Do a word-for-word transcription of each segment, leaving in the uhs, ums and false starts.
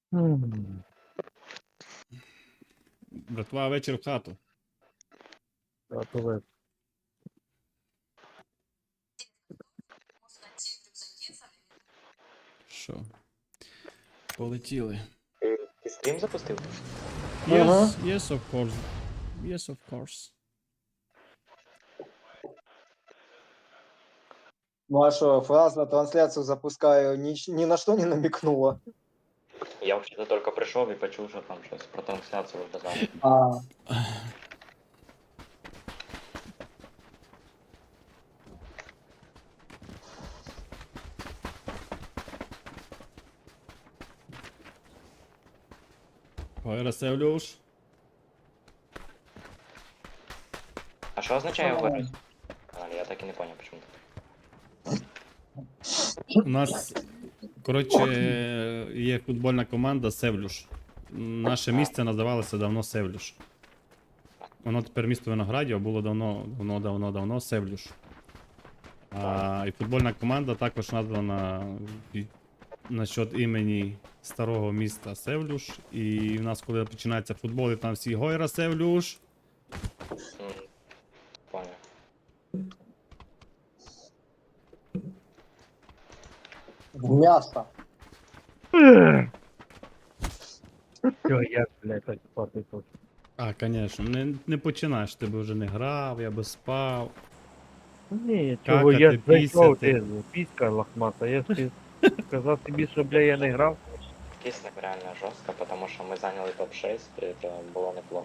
М. Братва, вечір в хату. А то ви- Що? Полетіли. Ти, ти стрім запустив? Yes, Ага. yes, of course. Yes, of course. Ну а что, фраза трансляцию запускаю ни, ни на что не намекнула. Я взагалі тільки прийшов і почув, що там щось про трансляцію казали. А, Ой, Расевлюш. А що означає говорить? А, я так і не зрозумів, чому так. У нас, коротше, є футбольна команда Севлюш. Наше місце називалося давно Севлюш. Воно тепер місто Виноградів, а було давно, давно, давно, давно Севлюш. А, і футбольна команда також названа від- на счет імені старого міста Севлюш. І в нас, коли починається футбол, і там всі Гойра Севлюш. М, Поняв. мясо. Всё, я, блядь, так спати хочу. А, звісно, не, не починаєш, ти би вже не грав, я би спав. Ні, чого я Какати, зайшов, пісяти. ти піська лохмата. Я ж сказав тобі, що, бля, я не грав. Кислик реально жорстко, тому що ми зайняли топ шість, і це було неплохо.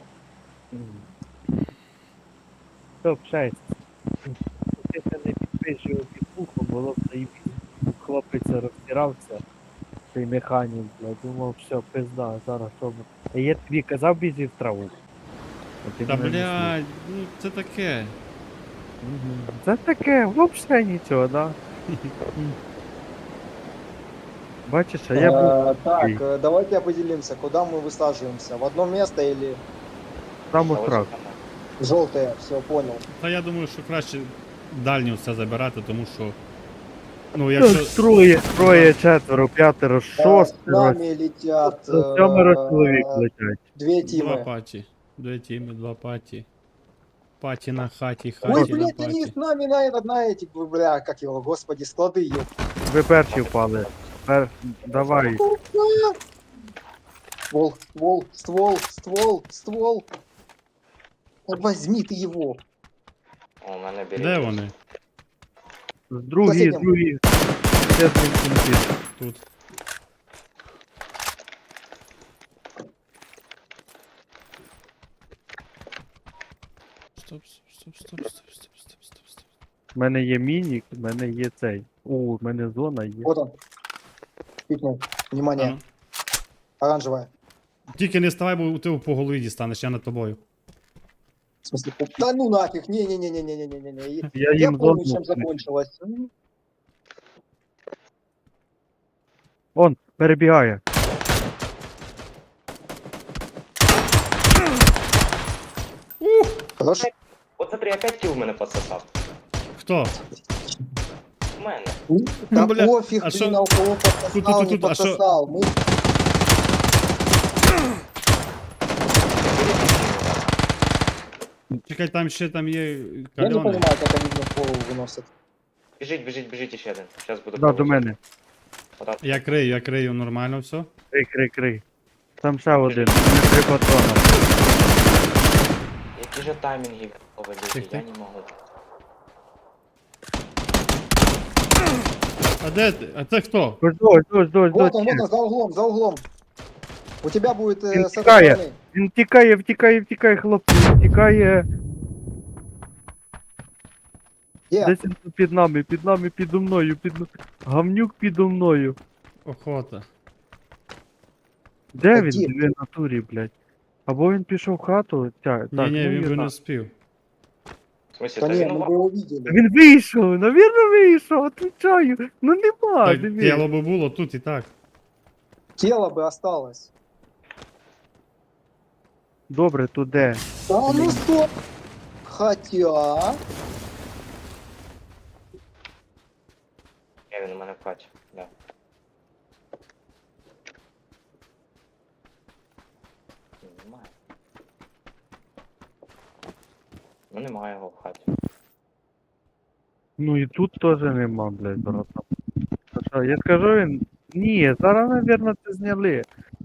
топ шесть. Якщо не підпишив підпуху, було б заїбі. Хлопець розтирався, цей механік, блядь, думав, все, пизда, зараз що буде. А я тобі казав, біжи в траву. А ти Та мене не слухав. блядь, ну це таке. Мгм. Це таке, взагалі нічого, да? Бачиш, а я був. Э, так, такий, э, давайте определимся, куда мы высаживаемся. В одно место или Там Та ось отрак. там, желтое? Все, понял. Та я думаю, що краще дальню все забирати, тому що. Ну, Та якщо. Троє, троє, четверо, п'ятеро, Да, с шостеро, нами летят сьомеро чоловік э, летять. две Два тимы. паті. Дві тіми, два паті. Паті на хаті, Ой, хаті на блядь, они паті. с нами на этот, на эти, бля, как его, господи, склады, ёп. Ви перші впали. Пер... Давай. Ствол, ствол, ствол, ствол, ствол. Да возьми ты его. у мене беріть. Де вони? Другий, Сусіднім. другий. Ще один кінці. Тут. Стоп, стоп, стоп, стоп, стоп, стоп, стоп, стоп, стоп. У мене є мінік, у мене є цей. О, у мене зона є. Вот он. Пикнул. Внимание, А ну. оранжевая. Тільки не ставай, бо ти по голові дістанеш, я над тобою. В смысле, пуп- да ну нафиг, не-не-не-не-не-не-не-не. Я Я їм помню, зону. чем закончилось. М, Он, перебігає. Хорошо. От смотри, опять кіл мене пососав. Хто? У мене. Да бля, пофиг, а блин, шо- а у кого подсосал, Тут, тут, не тут, а шо- подсосал. Мы Чекай, там ще там є Я не кальони. понимаю, как они мне в голову выносят. Біжіть, біжіть, біжіть ще один. Зараз буду Да, до пробувати. мене. Отак. Я крию, я крию нормально все. Крий, крий, крий. Там ще один. У мене три патрона. Які же таймінги поведете, Тих, я тих. не можу. А де ти? А це хто? Ось, ось, ось, ось, Вот он, ось. вот он, за углом, за углом. У тебя будет э, Він с этой тікає. стороны. Він втікає, втікає, втікає, хлопці, він втікає. Где? Десь він тут під нами, під нами, підо мною, під... Гавнюк підо мною. Охота. Де Та він? ді- Він в натурі, блядь. Або він пішов в хату, тя, так, Ні, ні, ну, він я би не знаю. вспів. В смысле, Да та не, він мы у бы его видели. Він вийшов, навірно вийшов, отвечаю. Ну нема, Так, диви. тіло би було тут і так. Тело бы осталось. Добре, то де? Да ну стоп. Хотя... Я він у мене в хаті. Да. Немає. Ну немає його в хаті. Ну і тут теж нема, блядь, братан. Та що, я скажу він. Ні, зараз, мабуть, це зняли.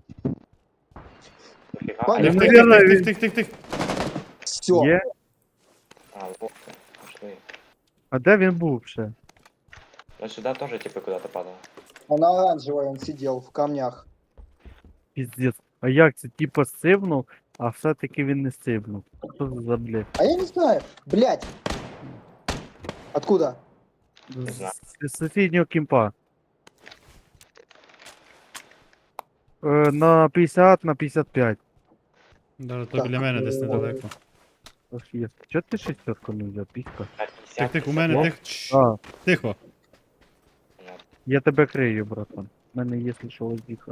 Дофіга. Пане, А Тих, я тих, Наверно, тих, він- тих, тих, тих, тих. Все. Є? А, вот ты. Пошли. А де він був ще? Ну сюда тоже типа куда-то падал. Он оранжевый, он сидел в камнях. Піздець. А як це? Типа сивнув, а все-таки він не сивнув. Що це за блядь? А я не знаю. Блять. Откуда? Не знаю. З сусіднього кімпа. Е, на п'ятдесят на п'ятдесят п'ять. Да, то Так, біля мене десь е, недалеко. Аж є. Чого ти шестерку не взяв, піська? На Тих, пятьдесят, тих, у мене Ну. тих. Чш, А, Тихо. Ну, я тебе крию, братан. У мене є що лазіха.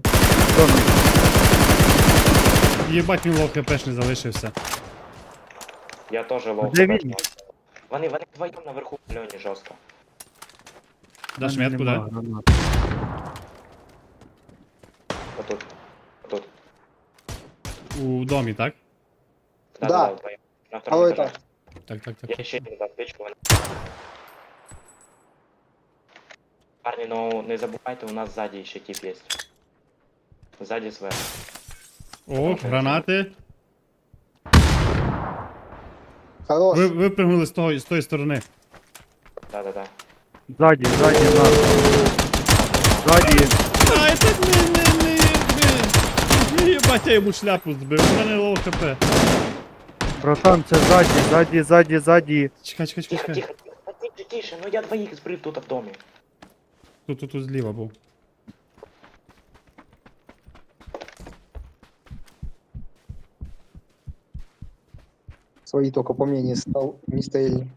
Єбать, він лов хпшний залишився. Я тоже лов. Де хп. він? Вони, вони вдвоєм наверху в льоні жорстко. Даш метку, да? Гранат. Отут. Отут. У домі, так? Да, Да. да, да, вдвоєм. На втором А этаже. это? Так, так, так. Я ще не дав печку. вони- Парні, ну не забувайте, у нас ззаді ще тип є. Ззаді зверху. О, гранати. Хорош. Ви випрыгнули з того з тої сторони. Да-да-да. Ззаді, ззаді нас. Ззаді. Ай, так не, не, не, не. Не їбать, я йому шляпу збив. У мене лов хп. Братан, це ззаді, ззаді, ззаді, ззаді. Чекай, чекай, Тихо, чекай. тихо, тихо, тише, тише, ну я двоїх збрив тут в домі. Тут, тут, тут зліва був. Свои только по мне не стал, не стояли.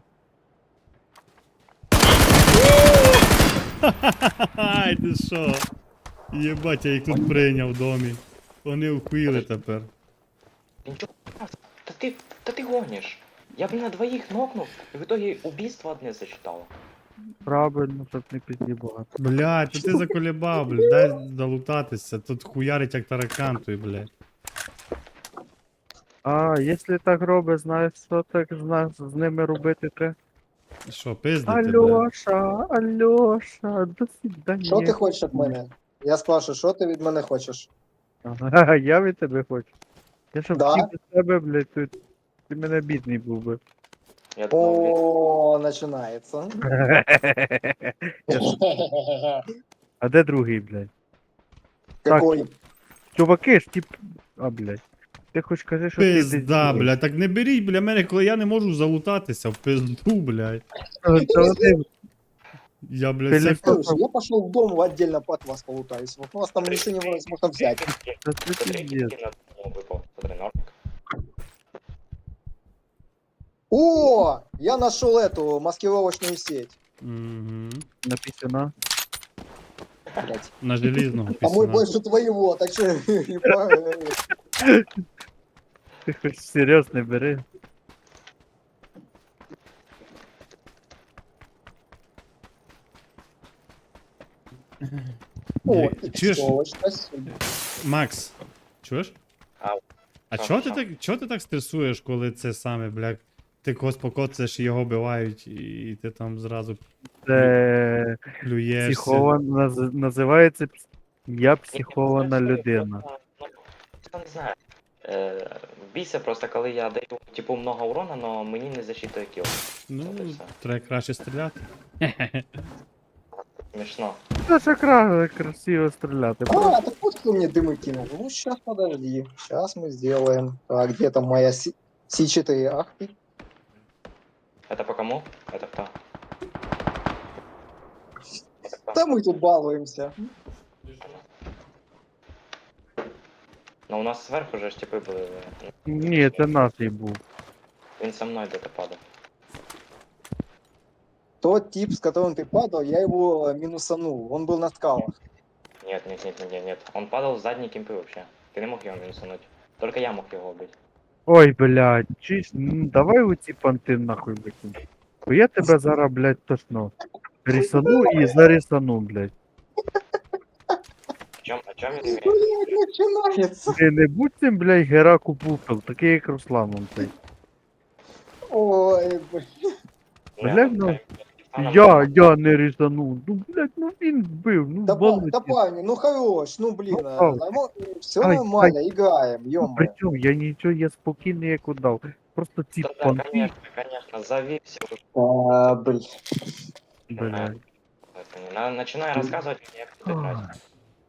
Ай, ти що? Єбать, я їх тут прийняв в домі. Вони вхуїли тепер. Ти нічого, та ти, та ти гониш. Я б на двоїх нокнув, і в итоге убийство одне засчитало. Правильно, щоб не пізді багато. Блядь, то ти заколебав, блядь, дай залутатися. Тут хуярить як таракан той, блядь. А, якщо так робить, знаєш, що так з, нас, з ними робити треба? Що, пиздити, блядь? Альоша, Альоша, до свидання. Що ти хочеш від мене? Я спрашиваю, що ти від мене хочеш? Ага, я від тебе хочу. Я щоб Да? всі без тебе, блядь, тут ти мене бідний був би. Я думав, О, начинается. Я ж- А де другий, блядь? Какой? Чуваки ж, тип. А, блядь. Ти хоч кажи, що ти десь Пизда, другий. блядь, так не беріть, бля, мене, коли я не можу залутатися в пизду, блядь. Це один. Я, блядь, Ти це... лі- Слушай, я пошел в дом отдельно от вас полутаюсь. Вот у вас там ничего невозможно взять. Це це Смотри, пиздец. який на дому випав. Смотри, нормик. О, я нашел эту маскировочную сеть. Мгм. На пісюна. Блять. На желізного А мой пісюна. больше твоего, так что не по- Ти хоч серйозно не бери. О, Ні, чуєш? что, спасибо. Макс, чуєш? Ау. А Що, чого ти що? так, чого ти так стресуєш, коли це саме, блядь, ти когось покоцаєш і його бивають, і ти там зразу Це плюєшся? психована, наз- називається пс- я Ні, психована ну, людина. просто, ну, я не знаю. Е, бійся просто, коли я даю типу много урона, но мені не засчитує кіл. Ну, От і все. треба краще стріляти. Смішно. Це ж кра- красиво стріляти. А, так вот кто мне дымы кинул. Ну, сейчас, подожди. Сейчас мы сделаем. Так, где там моя Си четыре? Ах ты. Это по кому? Это кто? Это кто? Да мы тут балуемся. Ну у нас зверху же ж типи були. Ні, це нас і був. Він со мною де-то падав. Тот тип, с которым ты падал, я его минусанул. Он был на скалах. Нет, нет, нет, нет, нет, нет. Он падал в задние кемпы вообще. Ты не мог его минусануть. Только я мог его убить. Ой, блядь, чись, ну, давай у ці понти нахуй викинь. Бо я тебе зараз, блядь, точно рисану і зарисану, блядь. чем, о чем я имею? Блядь, начинается. Ти не будь цим, блядь, Гераку Пупел, такий як Русланом цей. Ой, блядь. Блядь, ну, Я, я не різанув. Ну, блядь, ну він вбив, ну Да, па- да балуйте. парни, ну хорош, ну блин, Ну, все ай, нормально, играем, Ну, ё-моё. при чому? Я нічого, я спокійний як удав. Просто ці Да, да, понти, конечно, конечно, зови все. А, блин. блядь. Начинай рассказывать мне, как ты играть. Ах.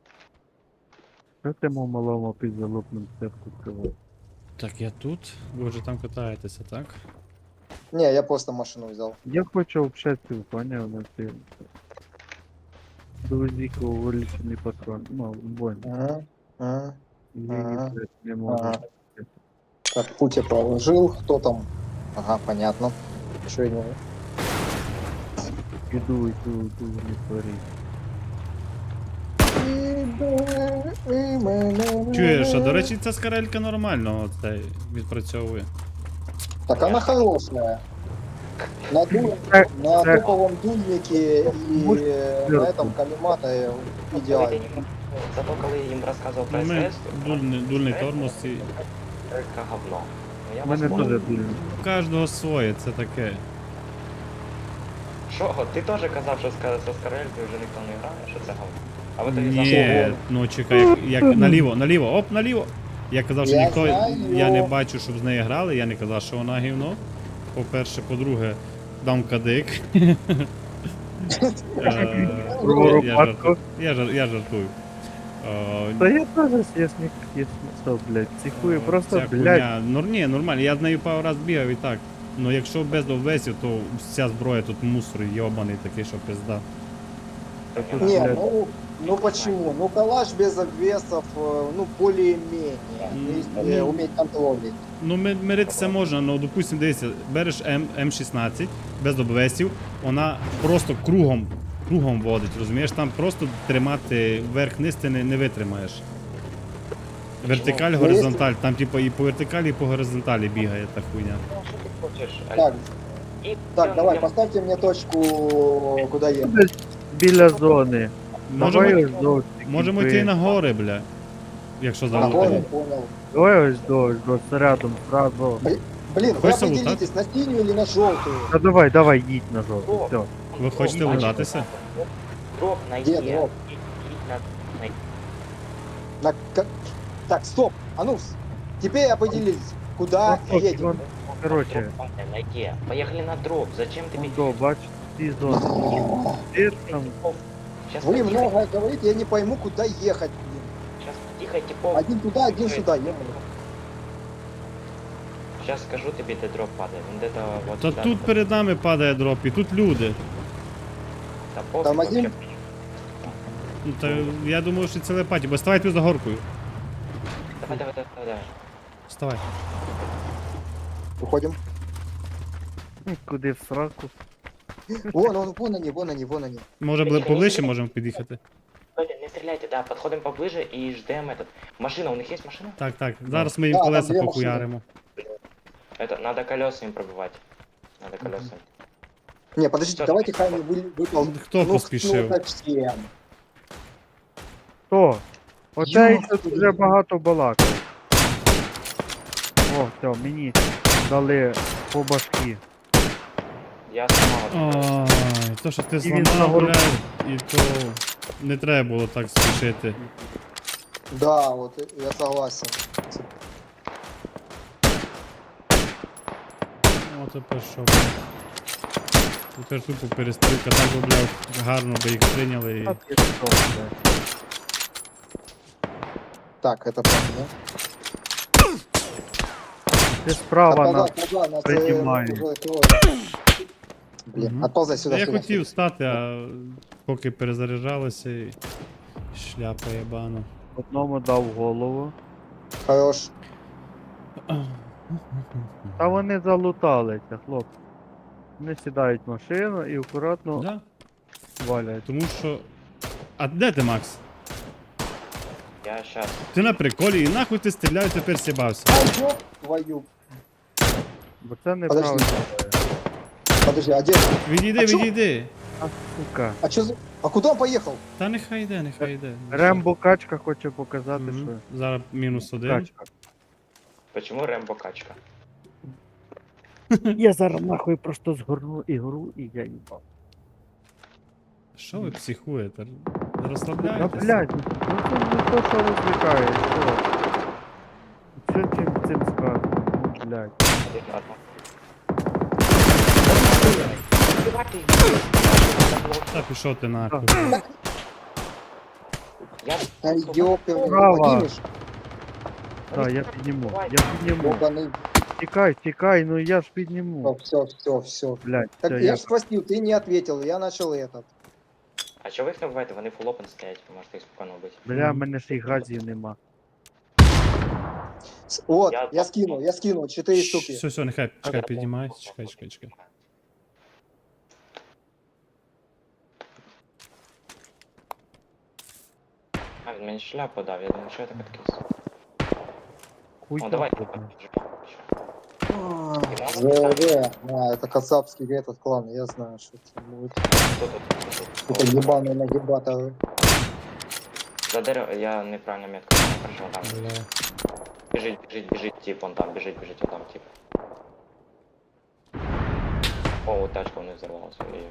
Що ти мов малому під залупним степку сказав? Так, я тут. Ви вже там катаєтеся, так? Не, я просто машину взял. Я хочу общатися, поняв, на ти. Друзіку увеличений патрон. Ну, бой. Ага, ага. Її, Ага. блядь, не можу. Ага. Так, пути положил, кто там? Ага, понятно. Что я не... Іду, іду, іду, не творі. Чуєш, а до речі, ця скарелька нормально оце відпрацьовує. Так она хорошая. На, ду- Так, на так. топовом дульнике и Может, э, на сверху. этом коллиматоре Коли идеально. ти їм- Зато коли я їм розказував про Ну, ми СС, дульний, дульний тормоз і. Це говно. Ну, я У вас мене понял. теж дульно. У кожного своє, це таке. Що, ти теж казав, що з со Скарелькою вже ніхто не грає, що це говно? А ви тоді Ні, зашли. ну чекай, як, як наліво, наліво, оп, наліво. Я казав, що Я ніхто. знаю. Я не бачу, щоб з нею грали, я не казав, що вона гівно. По-перше, по-друге, дам кадик. Е, Про я Роматко. жартую. Я жар- я жартую. Е, Та я теж ясник, ясно, блядь, цікую, просто, ця блядь. хуйня- Ну ні, нормально, я з нею пару раз бігав і так. Ну якщо без обвесів, то вся зброя тут мусор йобаний такий, що пизда. Та тут, Не, блядь, ну, ну почему? Ну калаш без обвесов, э, ну более-менее. То есть, э, Ну. уметь контролить. Ну, ми- миритися можна, ну, допустим, дивіться, береш М, М16 без обвесів, вона просто кругом, кругом водить, розумієш? Там просто тримати вверх-низ ти не, не витримаєш. Вертикаль, Ну, горизонталь, там типу і по вертикалі, і по горизонталі бігає та хуйня. Ну, що ти хочеш? Так, І так, я- давай, я- поставьте мне точку, куда ехать. блядь, біля зони. Можемо, Давай ось до ось такі можемо би- йти на гори, бля. Якщо А, залутаємо. понял, понял. Давай ось до, ось до, рядом, сразу. Блин, вы Хочешь определитесь, на синюю или на желтую? Та давай, давай, їдь на жовту, О. все. Ви хочете Дроп, лутатися? Дроп найди. Где дроп? Їдь- їдь на- на- На... ка- Так, стоп, а ну, с- теперь определились, куда Ну, ок, едем. вон, короче, Дроп найди. Поехали на дроп. Зачем ты вон до, бач, ці зони. Ти ж там, Сейчас Вы много говорите, я не пойму, куда ехать. блин. Сейчас тихо, типов. Один туда, один сюда, ё-моё. Сейчас скажу тебе, где дроп падает. Он где-то вот Та сюда. тут перед нами падає дроп, і тут люди. Да пофиг Там вообще. один? Ну, та я думаю, що це лепаті, бо ставай тут за горкою. Давай, давай, давай, давай. Вставай. Уходим. м, куди в сраку. Вон, вон, вон они, вон они, вон они. Може бли- поближче можемо під'їхати. Стойте, не стреляйте, да, подходим поближе и ждем этот. Машина, у них есть машина? Так, так. Зараз ми їм Да, там колеса дві похуяримо. Это, надо колеса им пробивать. Надо колеса. Не, подождите, Всё, давайте давай. Хайми вы, выпал. Хто Ну, поспішив? ну, совсем. Хто? Оцей Йо, тут вже багато балакав. О, все, мені дали по башки. Я сломал. Ой, то, що ти І він зламав, нагору. блядь, і то не треба було так спішити. Да, вот я согласен. О, тепер що, блядь. Тепер тупо перестрілка, так би, блядь, гарно би їх прийняли і... А ти що, блядь? Так, это правда. Ти справа на... Отползай, отползай, нас, э, приднимаю. уже трое. Блин, Мгм. отползай сюда, Я сюда. хотів стати, а поки перезаряджалися і... Шляпа єбана. Одному дав голову. Хорош. Та вони залуталися, хлопці. Вони сідають в машину і акуратно Да? валять. Тому що... А де ти, Макс? Я сейчас. Ти на приколі і нахуй ти стріляю, тепер сібався. Ай, ёб твою. Бо це неправильно. Подожди, а где? Відійди, А чо? відійди. А, сука. А чё за... А куда он поехал? Та нехай йде, нехай йде. Рембо качка хоче показати, Мгм. що Зараз мінус один. качка. Почему Рембо качка? Я зараз нахуй просто згорну ігру і я їбав. Що ви психуєте? Та Розслабляєтесь? блядь, ну це не то, що розвлікає, що? Що цим цим сказано? Ну, блядь. Один ладно. Убивайте їх. Та пішов ти нахуй. Я Да ёпер, Право. Владимир, Так, я підніму, я підніму. ёбаный. Тікай, тікай, ну я ж підніму. Все, все, все. Блядь, Так все, я я... ж спросил, ты не ответил, я начал этот. А чого ви їх не вбиваєте? Вони фул опен стоять, ви можете їх спокійно вбити. Бля, в Мгм. мене ж і газів нема. С- Вот, Я- я скинул, я скинул, четыре штуки. Все, все, нехай, чекай, піднімай. Чекай, чекай, чекай. А, він мені шляпу дав, я думаю, що я так відкис. Хуй О, там давай. ходить. ЗВ, а, это кацапский этот клан, я знаю, что это будет. Хто тут? Хто Это тут? ебаные нагибаторы. За дерево, я неправильно метку не прожив, там. Бля. Біжить, біжить, біжить, тип, он там, біжить, біжить, он там, тип. О, тачка у них взорвалась, ой-ой.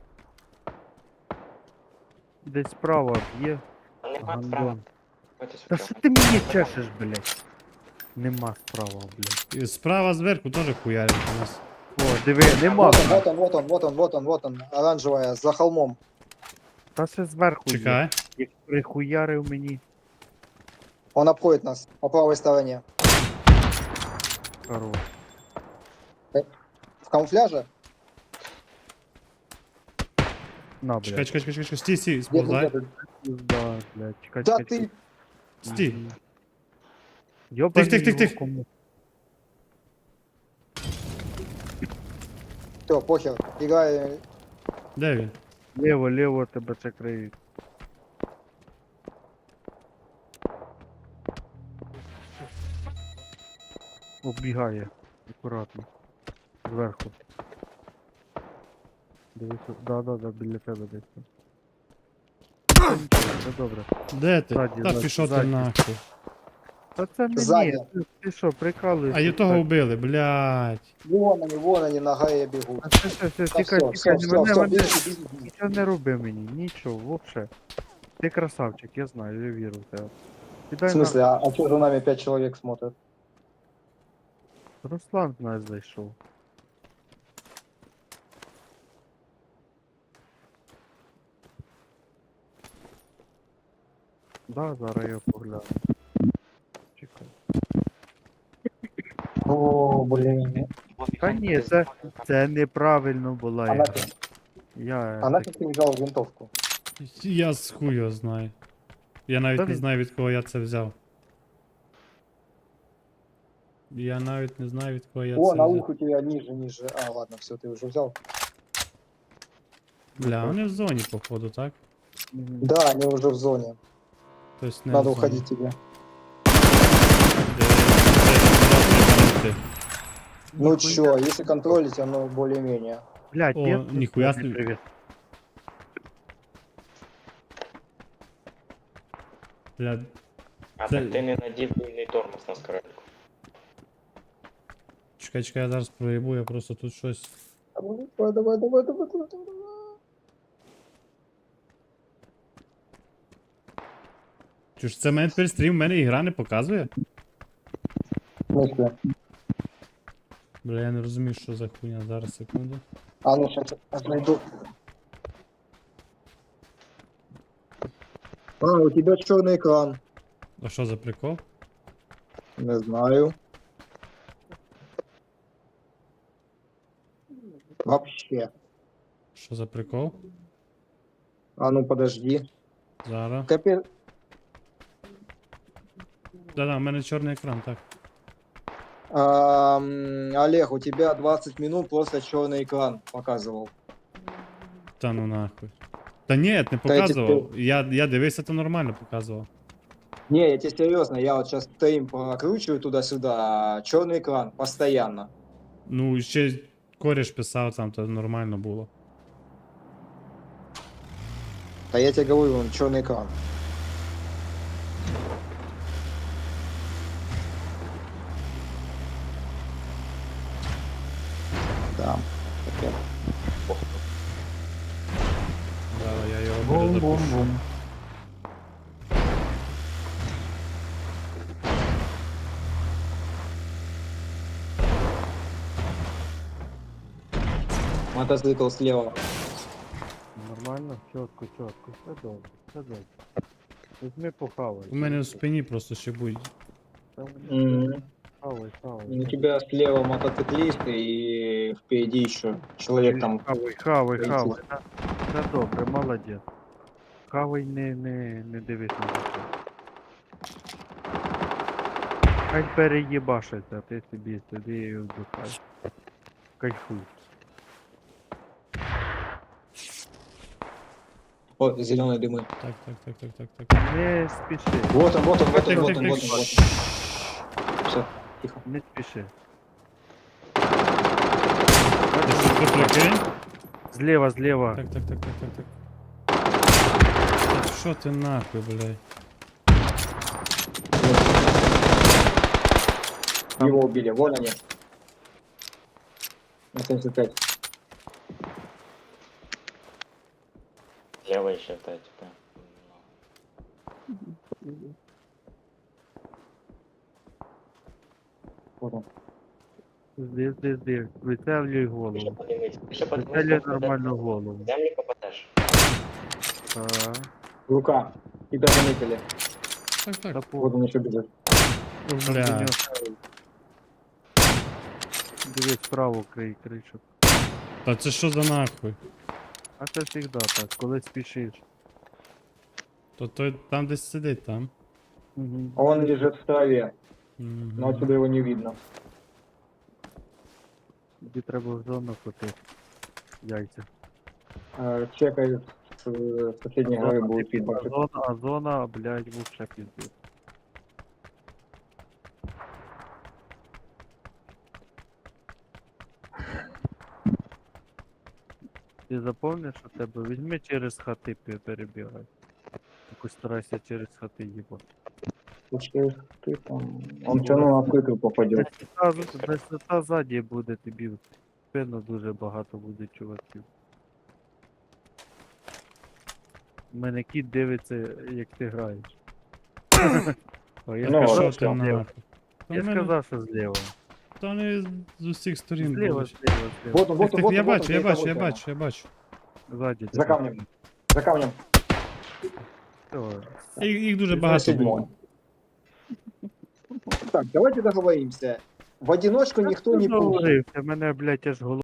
Десь справа б'є. Нема Гандон. справа. Ходьте Та сюди. що ти мені чешеш, блядь? Нема справа, блядь. І справа зверху теж хуярять у нас. О, диви, нема. Вот он, вот он, вот он, вот он, вот он, вот он, оранжевая, за холмом. Та ще зверху є. Чекай. Як прихуярив мені. Он обходит нас по правой стороне. Хорош. В камуфляже? На, Чекай, блядь. чекай, чекай, чекай. Стій, стій, Где ты, сповзай. где ты? Да, блядь. Чекай, Да чекай, ты, Стій. Йобаний Тих, тих, тих, його тих. кому. все, похер, играй. Де він? Лево, лево тебе це криють. Оббігає. Акуратно. Зверху. Дивись, да, да, да, біля тебе десь. там. Та нічого, все добре. Де ти? Ззаді, Та ззаді, пішов ти ззаді. нахуй. Та це мені, Ззаді. ти, ти що, прикалуєшся? А і того Так. вбили, блядь. Вон они, вон они, на горе бегут. А все, все, все, Да тікай, все, тікай, все, не мене, все, все, мене, беги, беги. нічого не роби мені, нічого, вообще. Ти красавчик, я знаю, я вірю в тебе. В Кидай смысле, а, а что за нами пять человек смотрят? на... Руслан в нас зайшов. Да, зараз я погляну. Чекай. О, блин. Та ні, це, це неправильно була А ігра. нафиг, Я... а так- нафиг ты взял винтовку? Я з хую знаю. Я навіть Та не він- знаю, від кого я це взяв. Я навіть не знаю, від кого я О, це на взяв. ухо у тебя ниже, ниже. А, ладно, все, ты уже взял. Бля, вони в зоні, походу, так? Мгм. Да, они уже в зоне. Тобто не Надо в зоні. уходить тебе. Де- де- де- де- де- Ну Ніхуя. чё, если контролить, оно более-менее. Блядь, О, я тут ніхуя тобі собі. привіт. Бля, А Це- так ти не надів вільний тормоз на скорельку. чекай, чекай, я зараз проїбу, я просто тут щось. Давай, давай, давай, давай, давай, давай, давай. Чи ж це мене тепер стрім, в мене ігра не показує? В смысле? Бля, я не розумію, що за хуйня. Зараз, секунду. А ну сейчас найду. А, у тебя черный экран. А що за прикол? Не знаю. Вообще. Що за прикол? А ну подожди. Зараз. Капец. Да-да, у мене чорний екран, так. Ам, Олег, у тебя двадцать минут просто черный экран показывал. Та ну нахуй. Та ні, не Та я показував. Я, я дивився, то нормально показував. Не, я тебе серьезно, я вот сейчас стрим прокручиваю туда-сюда, черный экран, постоянно. Ну, ще кореш писав там, то нормально було. Да я тебе говорю, вон черный экран. Да. Таке. Зараз я його перезапущу. Бум-бум-бум. Мотоцикл слева. Нормально, чітко, чітко, все добре, все добре. Візьми похавай. У мене в спині просто ще будь. Там Мгм. Хавай, хавай. У тебя слева мотоциклист и впереди еще человек там. Хавай, хавай, Пойти. хавай. Та- Та добре, молодець. Хавай, не, не, не дивись на це. Хай переїбашиться, а ти собі сиди і вдихай. Кайфуй. О, зеленые дымы. Так, так, так, так, так, так. Не спіши, Вот он, вот он, вот он, Так, вот так, он, так, вот он, вот так. он. Все, тихо. не спіши. Ти що, тут прикинь? Зліва, зліва. Так, так, так, так, так, так. Та Що ти нахуй, блядь? Его убили, вон они. На семьдесят пять. Левый считать, да. Вот он. Зди, зди, зди. Вицелюй Ще голову. подивись, ще подивись, Вицелюй попаде- нормальну голову. Землі попадеш. Так. Рука. Тебя заметили. Так, так. Та Вот он еще бежит. повно Бля. до нього ставить. Дивись, справа крий, кричок. Та це що за нахуй? А це завжди так, коли спішиш. То той там десь сидить там. Угу. Он лежит в траве, Мгм. но отсюда его не видно. Тобі треба в зону котити. Яйця. Э, Чекай с э, соседней А горы зона, будет а фидбэк. зона, а зона, блядь, вовше піздець. Ти запомниш у тебе? Візьми через хати пе- перебігай. Якось старайся через хати їбати. Слушай, ты там... Он все равно на открытую попадет. Десята ззаді буде тобі в спину дуже багато буде чуваків. У мене кіт дивиться, як ти граєш. О, я Ну, Та сказав, що що ти зліва. нахуй? Та Я в мене- сказав, що зліва. Та вони з усіх сторін Зліва, були. зліва, зліва. Вот он, вот Так, он, так, вот я он, вот бачу, он, я перед бачу, я тобой бачу, я бачу. Ззаді. За камнем. За камнем. Все. Їх, їх дуже На багато седьмой. було. Так, давайте договоримся. В одиночку никто не пушит. Договорився, мене, блядь, аж голова